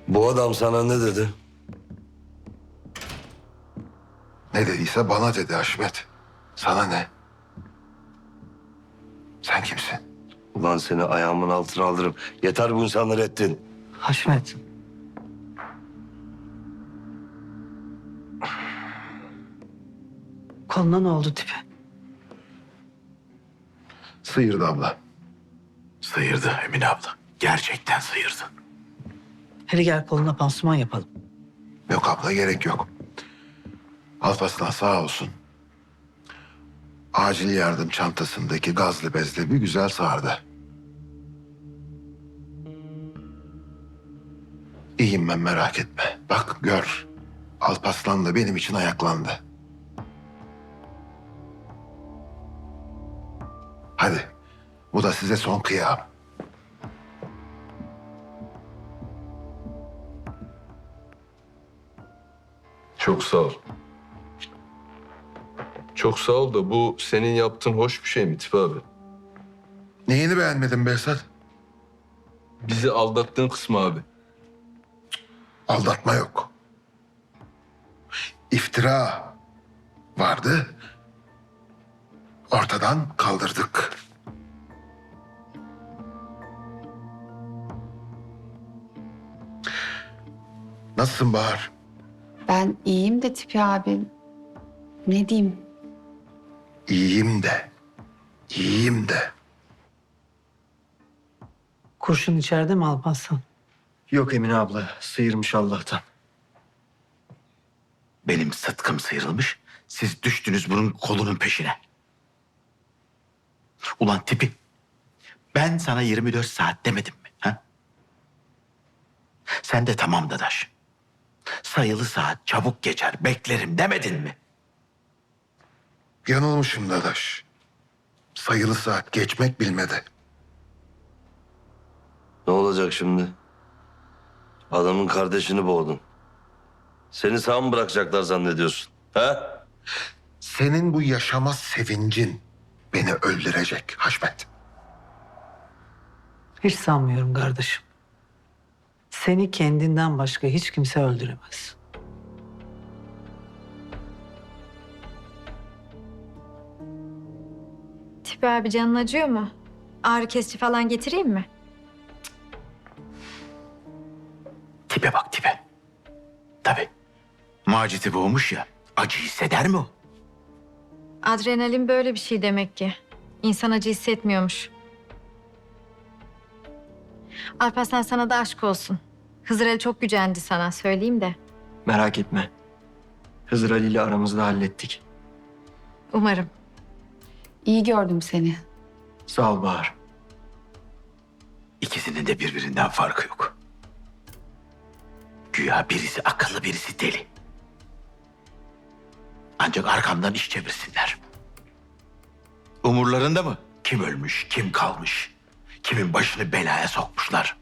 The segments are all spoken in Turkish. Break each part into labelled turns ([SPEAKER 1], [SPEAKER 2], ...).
[SPEAKER 1] Bu adam sana ne dedi?
[SPEAKER 2] Ne dediyse bana dedi Haşmet. Sana ne? Sen kimsin?
[SPEAKER 1] Ulan seni ayağımın altına alırım. Yeter bu insanları ettin.
[SPEAKER 3] Haşmet. Koluna ne oldu tipi?
[SPEAKER 2] Sıyırdı abla.
[SPEAKER 4] Sıyırdı Emine abla. Gerçekten sıyırdı.
[SPEAKER 3] Hele gel koluna pansuman yapalım.
[SPEAKER 2] Yok abla, gerek yok. Alparslan sağ olsun. Acil yardım çantasındaki gazlı bezle bir güzel sardı. İyiyim ben, merak etme. Bak gör. Alparslan da benim için ayaklandı. Hadi. Bu da size son kıyam.
[SPEAKER 5] Çok sağ ol. Çok sağ ol da bu senin yaptığın hoş bir şey mi Tipi abi?
[SPEAKER 2] Neyini beğenmedin Behzat?
[SPEAKER 5] Bizi aldattığın kısmı abi.
[SPEAKER 2] Aldatma yok. İftira vardı. Ortadan kaldırdık. Nasılsın Bahar?
[SPEAKER 6] Ben iyiyim de Tipi abi. Ne diyeyim?
[SPEAKER 2] İyiyim de. İyiyim de.
[SPEAKER 3] Kurşun içeride mi Alparslan?
[SPEAKER 7] Yok Emine abla, sıyırmış Allah'tan.
[SPEAKER 4] Benim sıtkım sıyrılmış. Siz düştünüz bunun kolunun peşine. Ulan tipi. Ben sana 24 saat demedim mi? Ha? Sen de tamam dadaş. Sayılı saat çabuk geçer beklerim demedin mi?
[SPEAKER 2] Yanılmışım dadaş. Sayılı saat geçmek bilmedi.
[SPEAKER 1] Ne olacak şimdi? Adamın kardeşini boğdun. Seni sağ mı bırakacaklar zannediyorsun? He?
[SPEAKER 2] Senin bu yaşama sevincin beni öldürecek Haşmet.
[SPEAKER 3] Hiç sanmıyorum kardeşim. Seni kendinden başka hiç kimse öldüremez.
[SPEAKER 8] Tipi abi canın acıyor mu? Ağrı kesici falan getireyim mi?
[SPEAKER 4] Tipe bak tipe. Tabii. Macit'i boğmuş ya. Acı hisseder mi o?
[SPEAKER 8] Adrenalin böyle bir şey demek ki. İnsan acı hissetmiyormuş. Alparslan sana da aşk olsun. Hızır Ali çok gücendi sana söyleyeyim de.
[SPEAKER 7] Merak etme. Hızır Ali ile aramızda hallettik.
[SPEAKER 8] Umarım.
[SPEAKER 6] İyi gördüm seni.
[SPEAKER 7] Sağ ol Bahar.
[SPEAKER 4] İkisinin de birbirinden farkı yok. Güya birisi akıllı birisi deli. Ancak arkamdan iş çevirsinler. Umurlarında mı? Kim ölmüş, kim kalmış? Kimin başını belaya sokmuşlar?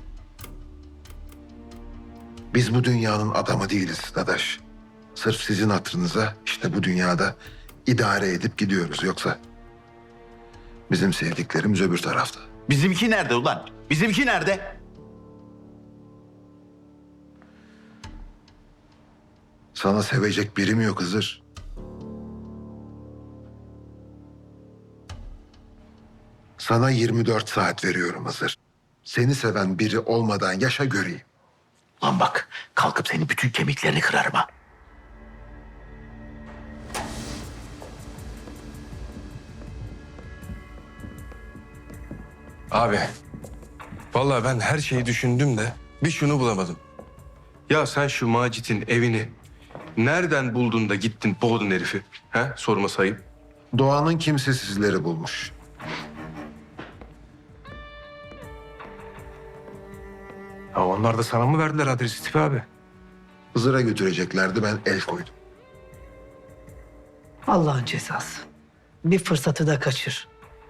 [SPEAKER 2] Biz bu dünyanın adamı değiliz dadaş. Sırf sizin hatırınıza işte bu dünyada idare edip gidiyoruz. Yoksa bizim sevdiklerimiz öbür tarafta.
[SPEAKER 4] Bizimki nerede ulan? Bizimki nerede?
[SPEAKER 2] Sana sevecek biri mi yok Hızır? Sana 24 saat veriyorum Hızır. Seni seven biri olmadan yaşa göreyim.
[SPEAKER 4] Lan bak, kalkıp senin bütün kemiklerini kırarım ha.
[SPEAKER 9] Abi, vallahi ben her şeyi düşündüm de bir şunu bulamadım. Ya sen şu Macit'in evini nereden buldun da gittin boğdun herifi? He? Sorma sayıp.
[SPEAKER 2] Doğanın kimsesizleri bulmuş.
[SPEAKER 9] Ya onlar da sana mı verdiler adresi Tipi abi?
[SPEAKER 2] Hızır'a götüreceklerdi, ben el koydum.
[SPEAKER 3] Allah'ın cezası. Bir fırsatı da kaçır.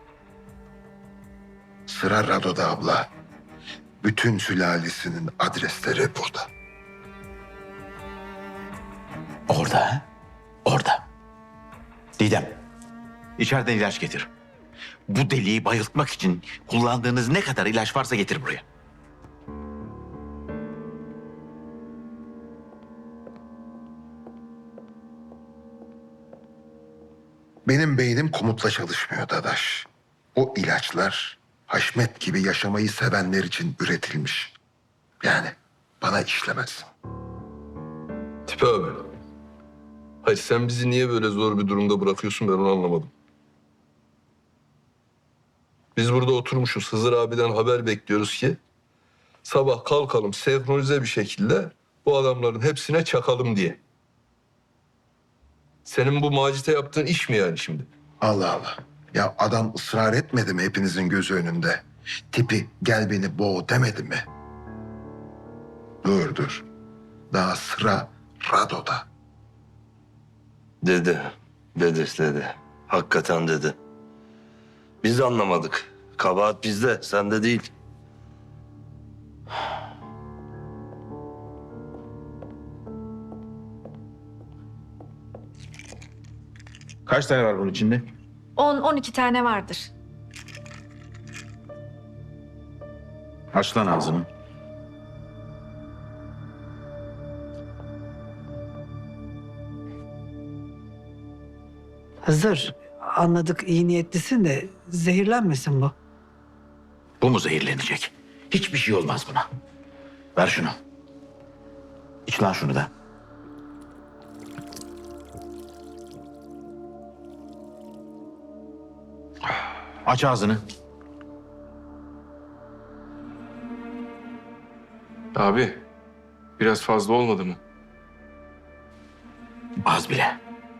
[SPEAKER 2] Sıra Rado'da abla. Bütün sülalesinin adresleri burada.
[SPEAKER 4] Orada ha? Orada. Didem, içeriden ilaç getir. Bu deliği bayıltmak için kullandığınız ne kadar ilaç varsa getir buraya.
[SPEAKER 2] Benim beynim komutla çalışmıyor Dadaş. O ilaçlar Haşmet gibi yaşamayı sevenler için üretilmiş. Yani bana işlemez.
[SPEAKER 5] Tipi abi. Hayır sen bizi niye böyle zor bir durumda bırakıyorsun ben onu anlamadım. Biz burada oturmuşuz Hızır abiden haber bekliyoruz ki sabah kalkalım senkronize bir şekilde bu adamların hepsine çakalım diye. Senin bu Macit'e yaptığın iş mi yani şimdi?
[SPEAKER 2] Allah Allah. Ya adam ısrar etmedi mi hepinizin gözü önünde? Tipi gel beni boğ demedi mi? Dur. Daha sıra Rado'da.
[SPEAKER 1] Dedi. Hakikaten dedi. Biz anlamadık. Kabahat bizde, sende değil.
[SPEAKER 4] Kaç tane var bunun içinde?
[SPEAKER 8] 10-12 tane vardır.
[SPEAKER 4] Aç lan ağzını.
[SPEAKER 3] Hızır, anladık iyi niyetlisin de zehirlenmesin bu.
[SPEAKER 4] Bu mu zehirlenecek? Hiçbir şey olmaz buna. Ver şunu. İç lan şunu da. Aç ağzını.
[SPEAKER 9] Abi biraz fazla olmadı mı?
[SPEAKER 4] Az bile.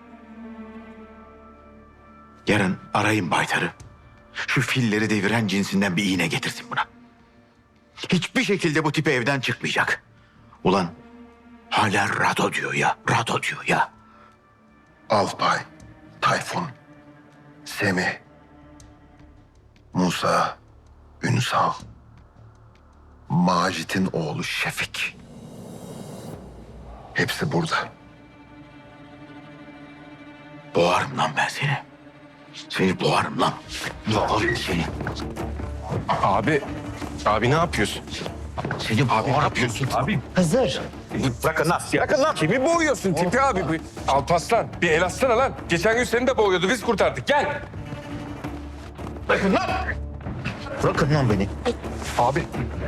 [SPEAKER 4] Yarın arayın Baytar'ı. Şu filleri deviren cinsinden bir iğne getirsin buna. Hiçbir şekilde bu tipi evden çıkmayacak. Ulan hala Rado diyor ya, Rado diyor ya.
[SPEAKER 2] Alpay, Tayfun, Semih, Musa, Ünsal, Macit'in oğlu Şefik. Hepsi burada.
[SPEAKER 4] Boğarım lan ben seni. Seni boğarım lan. Boğarım seni.
[SPEAKER 9] Abi ne yapıyorsun?
[SPEAKER 4] Seni boğarım. Ne yapıyorsun?
[SPEAKER 9] Abi
[SPEAKER 3] Hızır,
[SPEAKER 9] bırakın lan. Bırakın lan. Kimi boğuyorsun Tipi abi? Alparslan bir el atsana lan. Geçen gün seni de boğuyordu biz kurtardık gel.
[SPEAKER 4] Bırakın lan. Bırakın lan beni.
[SPEAKER 9] Abi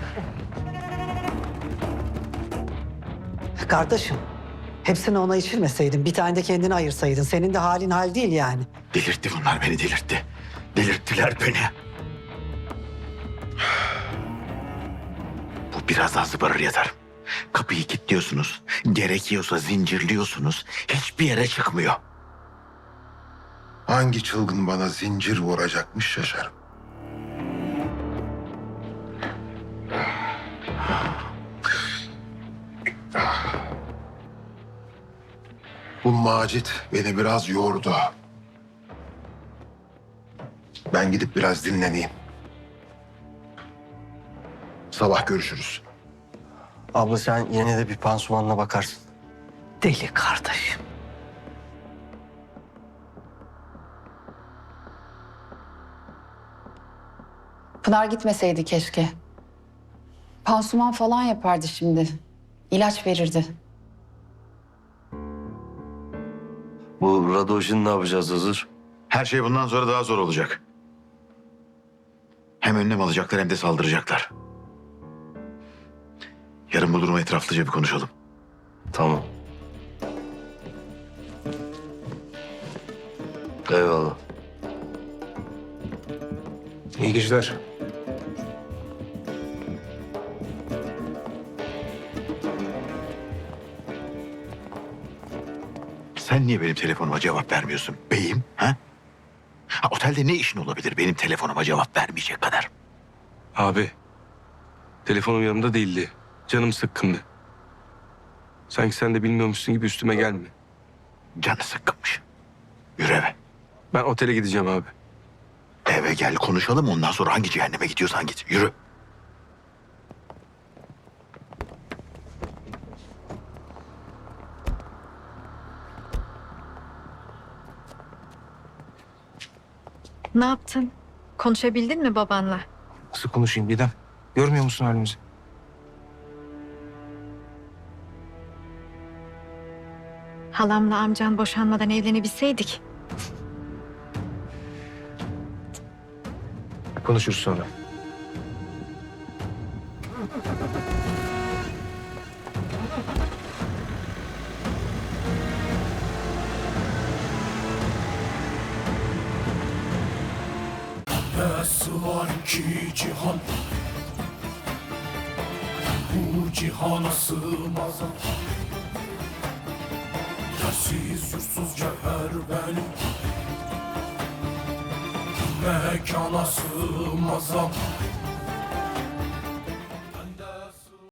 [SPEAKER 3] kardeşim. Hepsini ona içirmeseydin, bir tane de kendine ayırsaydın. Senin de halin hal değil yani.
[SPEAKER 4] Delirtti bunlar beni delirtti. Delirttiler beni. Bu biraz daha zıbarır yatar. Kapıyı kilitliyorsunuz. Gerekiyorsa zincirliyorsunuz. Hiçbir yere çıkmıyor.
[SPEAKER 2] Hangi çılgın bana zincir vuracakmış şaşarım. Bu Macit beni biraz yordu. Ben gidip biraz dinleneyim. Sabah görüşürüz.
[SPEAKER 7] Abla sen yine de bir pansumanla bakarsın.
[SPEAKER 3] Deli kardeşim.
[SPEAKER 6] Pınar gitmeseydi keşke. Pansuman falan yapardı şimdi. İlaç verirdi.
[SPEAKER 1] Bu Rado işini ne yapacağız Hızır?
[SPEAKER 4] Her şey bundan sonra daha zor olacak. Hem önlem alacaklar hem de saldıracaklar. Yarın bu durumu etraflıca bir konuşalım.
[SPEAKER 1] Tamam. Eyvallah.
[SPEAKER 9] iyi geceler.
[SPEAKER 4] Sen niye benim telefonuma cevap vermiyorsun beyim? Ha? Otelde ne işin olabilir benim telefonuma cevap vermeyecek kadar?
[SPEAKER 9] Abi telefonum yanımda değildi. Canım sıkkındı. Sanki sen de bilmiyormuşsun gibi üstüme gelme.
[SPEAKER 4] Canı sıkkınmış. Yürü eve.
[SPEAKER 9] Ben otele gideceğim abi.
[SPEAKER 4] Eve gel konuşalım ondan sonra hangi cehenneme gidiyorsan git. Yürü.
[SPEAKER 8] Ne yaptın? Konuşabildin mi babanla?
[SPEAKER 9] Nasıl konuşayım Didem? Görmüyor musun halimizi?
[SPEAKER 8] Halamla amcan boşanmadan evlenebilseydik.
[SPEAKER 9] Konuşuruz sonra.
[SPEAKER 10] Nasıl var ki cihan, bu cihana sığmaz. Yersiz yursuz cevher benim, mekana sığmaz.